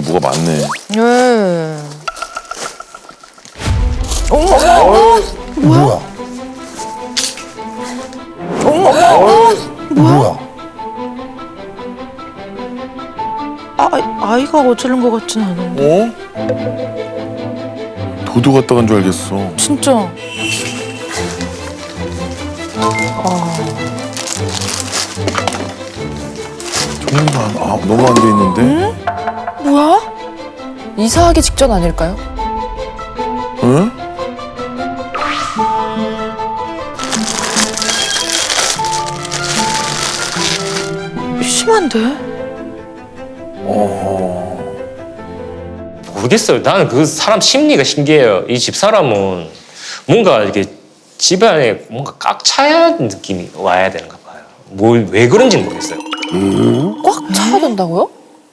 뭐가 많네. 어머. 뭐야? 뭐야? 아이가 어쩌는 것 같진 않은데. 도도 갖다 간 줄 알겠어. 진짜. 정리가 너무 안 돼 있는데? 뭐야? 이사하기 직전 아닐까요? 응? 심한데? 모르겠어요. 나는 그 사람 심리가 신기해요. 이 집사람은 뭔가 이렇게 집안에 뭔가 꽉 차야 느낌이 와야 되는가 봐요. 왜 그런지 모르겠어요. 꽉 차야 된다고요?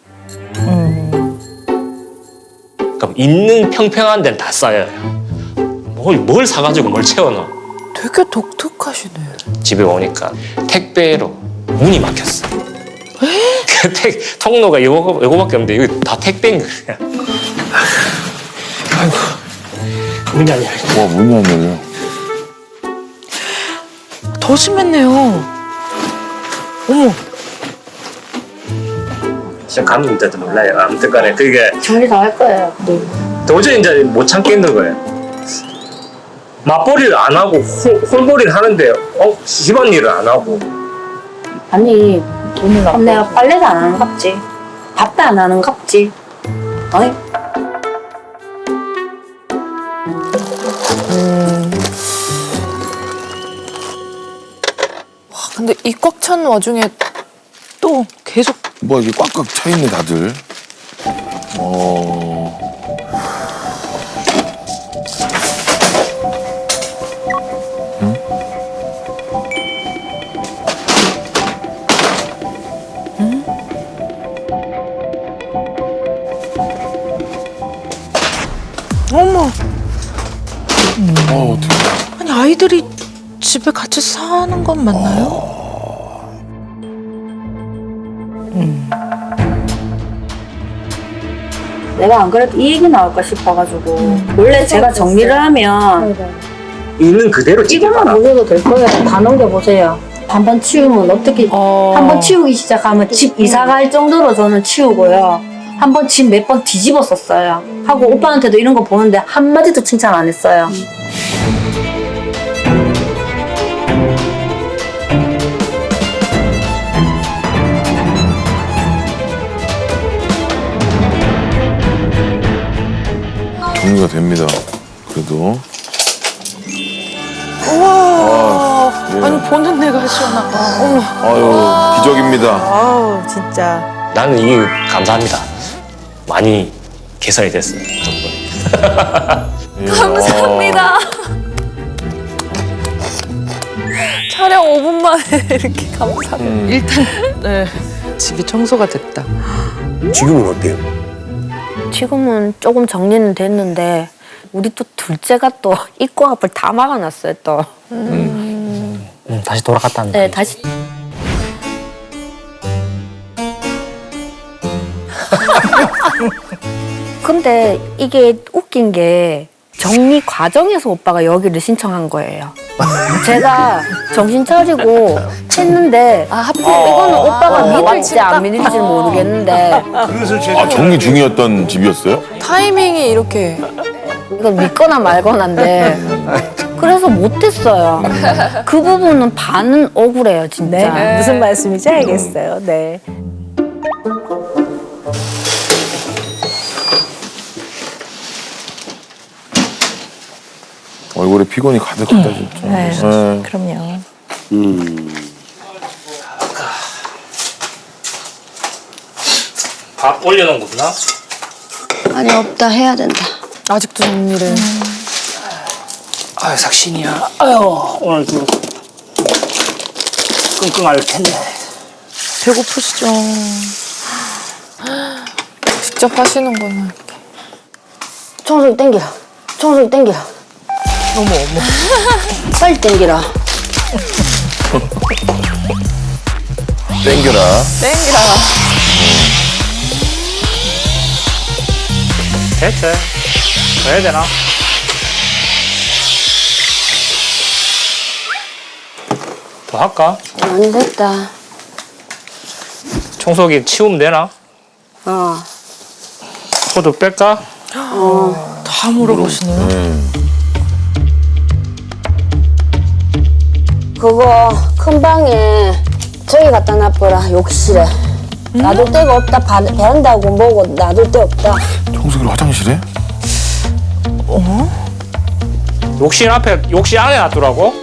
그러니까 있는 평평한 데는 다 쌓여요. 뭘 사가지고 뭘 채워넣어. 되게 독특하시네. 집에 오니까 택배로 문이 막혔어. 그 통로가 요거밖에 없는데 이거 다 택배인 거야. 아이고, 문이 안 열려. 와, 문이 안 열려. 더 심했네요. 어머. 진짜 감독자도 몰라요. 아무튼 간에 그게 정리 다 할 거예요. 네. 도저히 이제 못 참겠는 거예요. 맞벌이를 안 하고 홀벌이를 하는데 집안일을 안 하고. 아니, 그럼 내가 빨래도 안 하는 갑지. 밥도 안 하는 갑지. 어이? 와, 근데 이 꽉 찬 와중에 또 계속. 뭐 이게 꽉꽉 차 있네 다들. 어머. 어떻게? 아니 아이들이 집에 같이 사는 건 맞나요? 내가 안 그래도 이 얘기 나올까 싶어가지고. 원래 제가 정리를 하면 있는 그대로 이것만 찍어봐라. 보셔도 될 거예요. 다 넘겨보세요. 한번 치우면 어떻게, 한번 치우기 시작하면 집 이사 갈 정도로 저는 치우고요. 한번 집 몇 번 뒤집었었어요. 하고 오빠한테도 이런 거 보는데 한마디도 칭찬 안 했어요. 정리가 됩니다. 그래도. 우와. 예. 아니 보는 내가 시원하다. 어머. 아유, 기적입니다. 아우 진짜. 나는 이게 감사합니다. 많이 개선이 됐어요. 덕분에. 예. 감사합니다. 촬영 5분 만에 이렇게 감사합니다. 일단 네, 집이 청소가 됐다. 지금은 어때요? 지금은 조금 정리는 됐는데 우리 또 둘째가 또 입구 앞을 다 막아놨어요 또. 다시 돌아갔다는 네, 다시. 근데 이게 웃긴 게 정리 과정에서 오빠가 여기를 신청한 거예요. 제가 정신 차리고 했는데 하필 이거는 오빠가 믿을지 안 믿을지 모르겠는데 정리 중이었던 집이었어요? 타이밍이 이렇게 이건 믿거나 말거나인데 그래서 못했어요. 그 부분은 반은 억울해요 진짜. 네, 무슨 말씀인지 알겠어요. 네. 얼굴에 피곤이 가득하다 진짜. 네, 그럼요. 밥 올려놓은 거구나. 아니 없다 해야 된다. 아직도 정리를. 아유 삭신이야. 아유 오늘 좀 끙끙 앓을 텐데. 배고프시죠? 직접 하시는구나. 청소기 땡기라. 청소기 땡기라. 어머 어머. 빨리 땡기라. 땡겨라. 땡기라. 됐지. 더 해야 되나? 더 할까? 많이 됐다. 청소기 치우면 되나? 코드 뺄까? 다 물어보시네요. 그거 큰 방에 저기 갖다 놔버라. 욕실에. 놔둘 데가 없다. 베란다고 뭐고 놔둘 데 없다. 청소기를 화장실에? 욕실 앞에, 욕실 안에 놔두라고?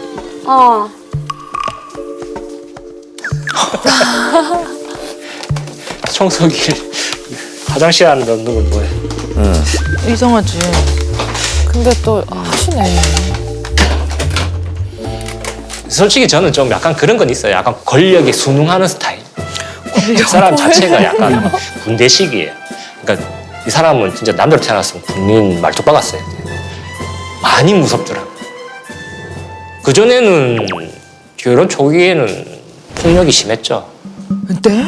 청소기 화장실 안에 넣는 건 뭐야? 이상하지. 근데 또 하시네. 솔직히 저는 좀 약간 그런 건 있어요. 약간 권력에 순응하는 스타일. 이 사람 자체가 약간 군대식이에요. 그러니까 이 사람은 진짜 남자로 태어났으면 군인 말뚝 박았어요. 많이 무섭더라고. 그전에는 결혼 초기에는 폭력이 심했죠. 네?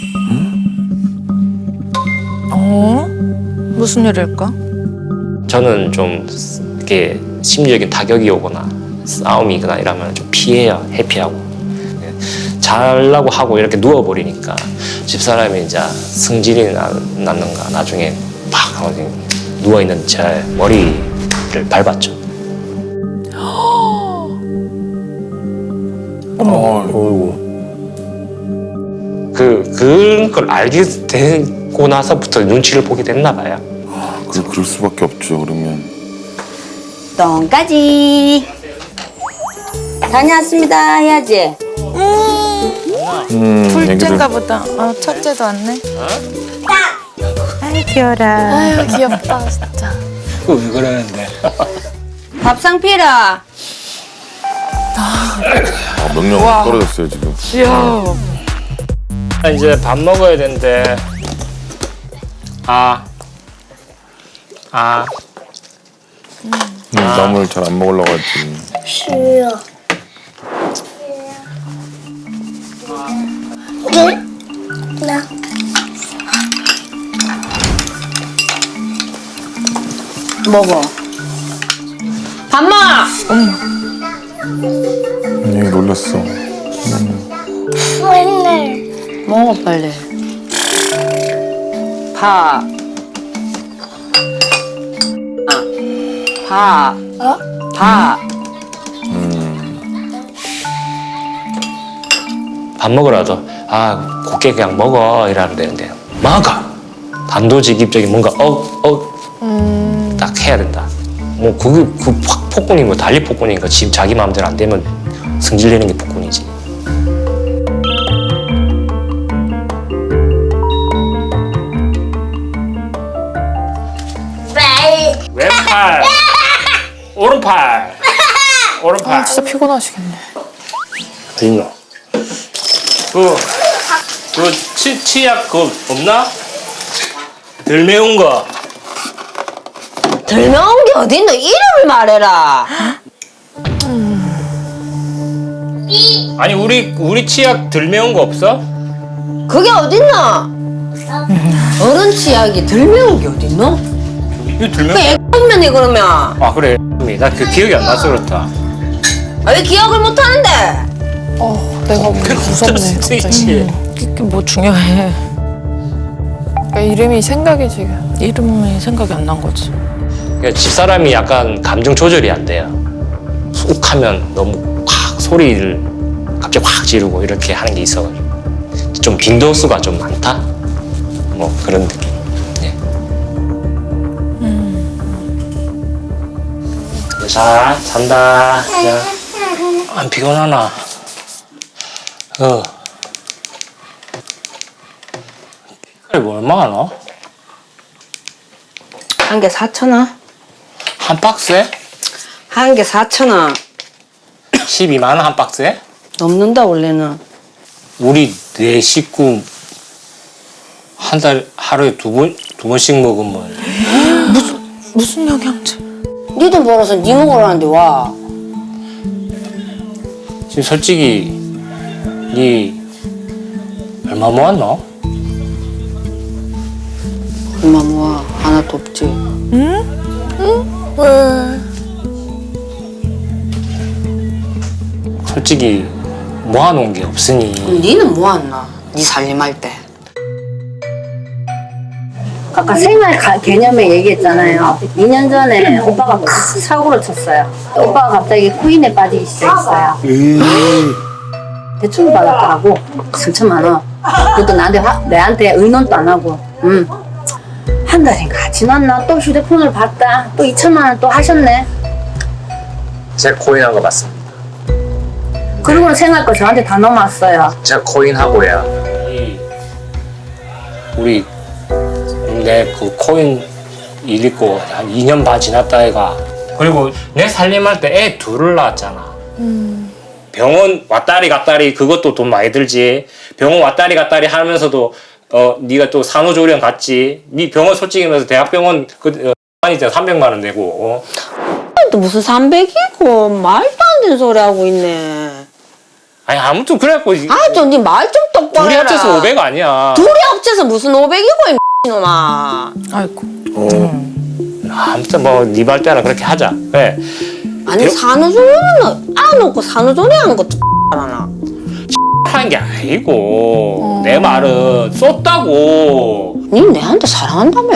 무슨 일일까? 저는 좀 이렇게 심리적인 타격이 오거나 싸움이거나 이러면 좀 피해요. 회피하고. 잘라고 하고 이렇게 누워버리니까 집사람이 이제 승질이 났는가 나중에 팍 하고 누워있는 제 머리를 밟았죠. 어이구. 그런 걸 알게 되고 나서부터 눈치를 보게 됐나 봐요. 그럴 수밖에 없죠, 그러면. 똥까지. 다녀왔습니다 해야지. 둘째인가 보다. 첫째도 왔네. 아이 귀여라. 아유 귀엽다 진짜. 왜 그러는데? 밥상 피라. 명령 떨어졌어요, 지금. 이제 밥 먹어야 되는데. 땀을 잘 안 먹으려고 했지. 싫어. 나. 먹어. 밥 먹어. 얘 놀랐어. 먹어 빨리. 밥. 밥. 밥. 밥 먹으라도 곱게 그냥 먹어 이러면 되는데 먹어. 단도직입적인 뭔가 딱 해야 된다. 뭐 그게 폭군이 뭐 달리 폭군이니까 지금 자기 마음대로 안 되면 승질내는 게 폭군이지. 왼팔, 오른팔, 오른팔. 진짜 피곤하시겠네. 어딨노? 치약 그거 없나? 덜 매운 거. 덜 매운 게 어딨노? 이름을 말해라. 아니 우리 치약 덜 매운 거 없어? 그게 어딨노? 어른 치약이 덜 매운 게 어딨노? 이거 덜 매운 그 애면이 그러면. 아 그래. 나 그 기억이 안 나서 그렇다. 왜 기억을 못 하는데? 내가 무섭네 갑자기. 스위치. 이게 뭐 중요해. 그러니까 이름이 생각이 지금. 이름이 생각이 안 난 거지. 그러니까 집사람이 약간 감정 조절이 안 돼요. 욱하면 너무 확 소리를 갑자기 확 지르고 이렇게 하는 게 있어가지고 좀 빈도수가 좀 많다. 뭐 그런 느낌. 네. 자 잔다. 자, 안 피곤하나? 뭐 얼마나 넣어? 한 개 4,000원. 한 박스에? 한 개 4,000원. 12만 원 한 박스에? 넘는다 원래는. 우리 네 식구 한 달 하루에 두 번씩 먹으면 무슨 영양제? 니 돈 벌어서 니 먹으라는데 와. 지금 솔직히 니 얼마 모았노? 얼마 모아 하나도 없지. 솔직히 모아놓은 게 없으니 니는 뭐했나? 니 살림할 때. 아까 생활 개념에 얘기했잖아요. 2년 전에 오빠가 큰 사고를 쳤어요. 오빠가 갑자기 코인에 빠지기 시작했어요. 대출을 받았더라고. 3천만 원. 그것도 내한테 의논도 안 하고. 한 달인가 지났나? 또 휴대폰을 봤다. 또 2천만 원 또 하셨네. 제가 코인한 거 맞습니다. 그리고는 생활 거 저한테 다 넘어왔어요. 제가 코인하고야 우리 내 그 코인 일 있고 한 2년 반 지났다 애가 그리고 내 살림할 때 애 둘을 낳았잖아. 병원 왔다리 갔다리 그것도 돈 많이 들지. 병원 왔다리 갔다리 하면서도 네가 또 산후조리원 갔지. 네 병원 솔직히 말해서 대학병원 그 아니 300만 원 내고 또 무슨 300이고 말도 안 되는 소리 하고 있네. 아니 아무튼 그래갖고 아, 좀 네 말 좀 똑바로 둘이 해라. 합쳐서 500 아니야. 둘이 합쳐서 무슨 500이고 이 놈아. 아이고. 아무튼 뭐 네 말대로 그렇게 하자. 그래. 아니 산후조리원은 안 놓고 산후조리 하는 것도 알아나. 하는 게 아니고 내 말은 썼다고. 니 내한테 사랑한다며.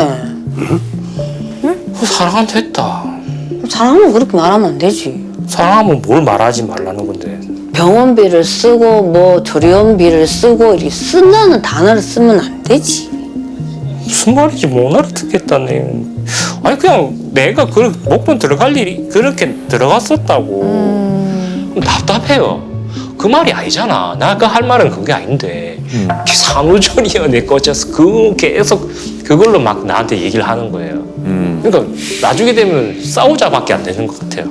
사랑한테 했다. 사랑하면 그렇게 말하면 안 되지. 사랑하면 뭘 말하지 말라는 건데. 병원비를 쓰고 뭐 조리원비를 쓰고 이렇게 쓴다는 단어를 쓰면 안 되지. 무슨 말인지 못 알아듣겠다네. 아니 그냥 내가 그 목돈 들어갈 일이 그렇게 들어갔었다고. 답답해요. 그 말이 아니잖아. 내가 할 말은 그게 아닌데 산후조리원에 꽂혀서 그 계속 그걸로 막 나한테 얘기를 하는 거예요. 그러니까 나중에 되면 싸우자밖에 안 되는 것 같아요.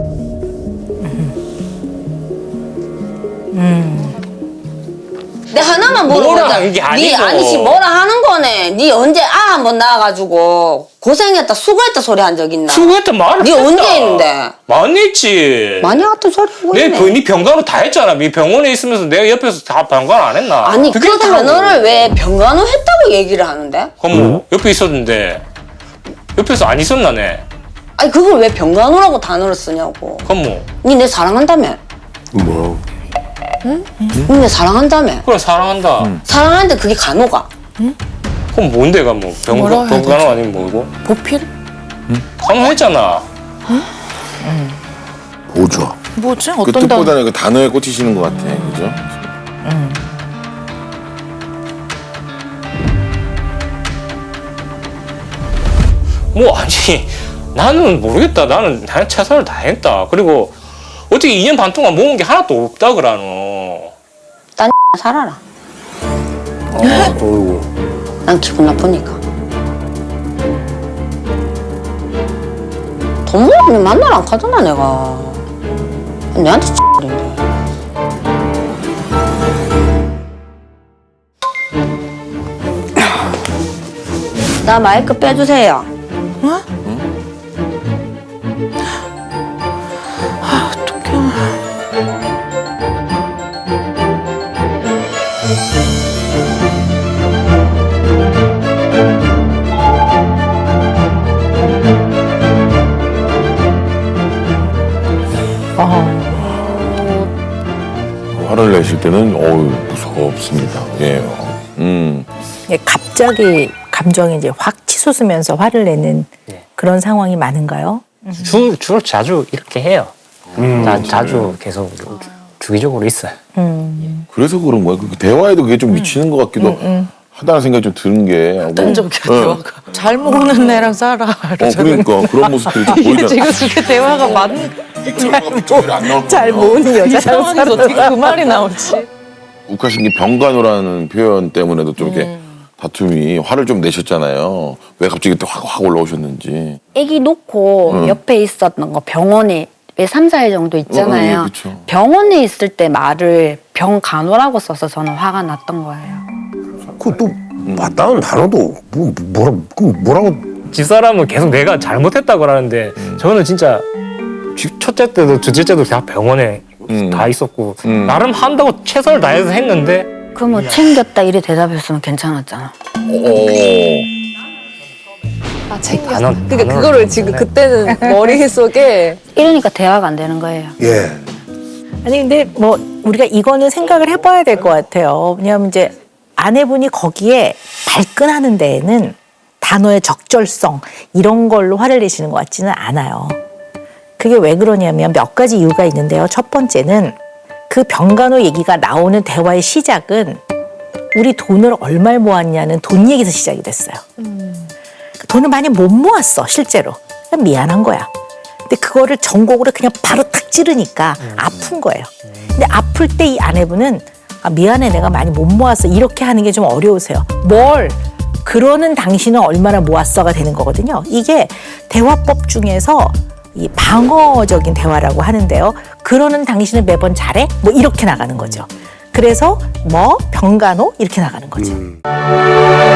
내 하나만 뭐라 물어보자. 하는 게 니 아니고. 아니지 뭐라 하는 거네. 니 언제 아 한번 나와가지고 고생했다 수고했다 소리 한 적 있나? 수고했던 말을 니 했다. 언제 했는데? 많이 했지. 많이 같은 소리 하고 있네. 네 병간호 다 했잖아. 네 병원에 있으면서 내가 옆에서 다 병간호 안 했나? 아니 그게 그 하더라고. 단어를 왜 병간호 했다고 얘기를 하는데? 그럼 뭐 옆에 있었는데 옆에서 안 있었나 네? 아니 그걸 왜 병간호라고 단어를 쓰냐고. 그럼 뭐 니 내 사랑한다며? 뭐 니 내 사랑한다며? 그래 사랑한다. 사랑하는데 그게 간호가? 그럼 뭔데가 뭐 뭐라고 해야 병간호 아니면 뭐고? 보필? 간호했잖아. 보조. 뭐지? 그 어떤 단? 뜻보다는 그 단어에 꽂히시는 것 같아. 그죠? 뭐 아니 나는 모르겠다. 나는 최선을 다했다. 그리고 어떻게 2년 반 동안 모은 게 하나도 없다 그러노. 딴 살아라. 어이구. 난 기분 나쁘니까. 돈 모으면 만나러 안 가잖아 내가. 내한테 X인데. 나 마이크 빼주세요. 화를 내실 때는 무섭습니다. 예. 예, 갑자기 감정이 이제 확 치솟으면서 화를 내는 네. 그런 상황이 많은가요? 주로 자주 이렇게 해요. 자주 계속 주기적으로 있어요. 그래서 그런 거야. 그 대화에도 그게 좀 미치는 것 같기도 하다는 생각이 좀 드는 게. 극단적이야 대화가. 잘 모르는 애랑 살아. 그러니까 그런 모습들이 좀 보이잖아. 지금 그렇게 대화가 많은 잘 모으는 이 여자랑 상황에서 어떻게 그 말이 나오지? 욱하신 게 병간호라는 표현 때문에도 좀 이렇게 다툼이 화를 좀 내셨잖아요. 왜 갑자기 또 확 올라오셨는지. 아기 놓고 옆에 있었던 거 병원에 왜 3, 4일 정도 있잖아요. 그쵸. 병원에 있을 때 말을 병간호라고 써서 저는 화가 났던 거예요. 그또 맞다는 단어도 뭐라고 집사람은 계속 내가 잘못했다고 하는데 저는 진짜 첫째 때도 둘째 때도 다 병원에 다 있었고 나름 한다고 최선을 다해서 했는데 그럼 뭐 챙겼다 이래 대답했으면 괜찮았잖아. 아 챙겼어. 단원, 그러니까 단원 그거를 지금 그때는 머릿속에 이러니까 대화가 안 되는 거예요. 예. 아니 근데 뭐 우리가 이거는 생각을 해봐야 될 것 같아요. 왜냐하면 이제 아내분이 거기에 발끈하는 데에는 단어의 적절성 이런 걸로 화를 내시는 것 같지는 않아요. 그게 왜 그러냐면 몇 가지 이유가 있는데요. 첫 번째는 그 병간호 얘기가 나오는 대화의 시작은 우리 돈을 얼마를 모았냐는 돈 얘기에서 시작이 됐어요. 돈을 많이 못 모았어 실제로. 그냥 미안한 거야. 근데 그거를 전곡으로 그냥 바로 탁 찌르니까 아픈 거예요. 근데 아플 때 이 아내분은 아, 미안해 내가 많이 못 모았어 이렇게 하는 게 좀 어려우세요. 뭘 그러는 당신은 얼마나 모았어가 되는 거거든요. 이게 대화법 중에서 이 방어적인 대화라고 하는데요. 그러는 당신은 매번 잘해? 뭐 이렇게 나가는 거죠. 그래서 뭐 병간호 이렇게 나가는 거죠.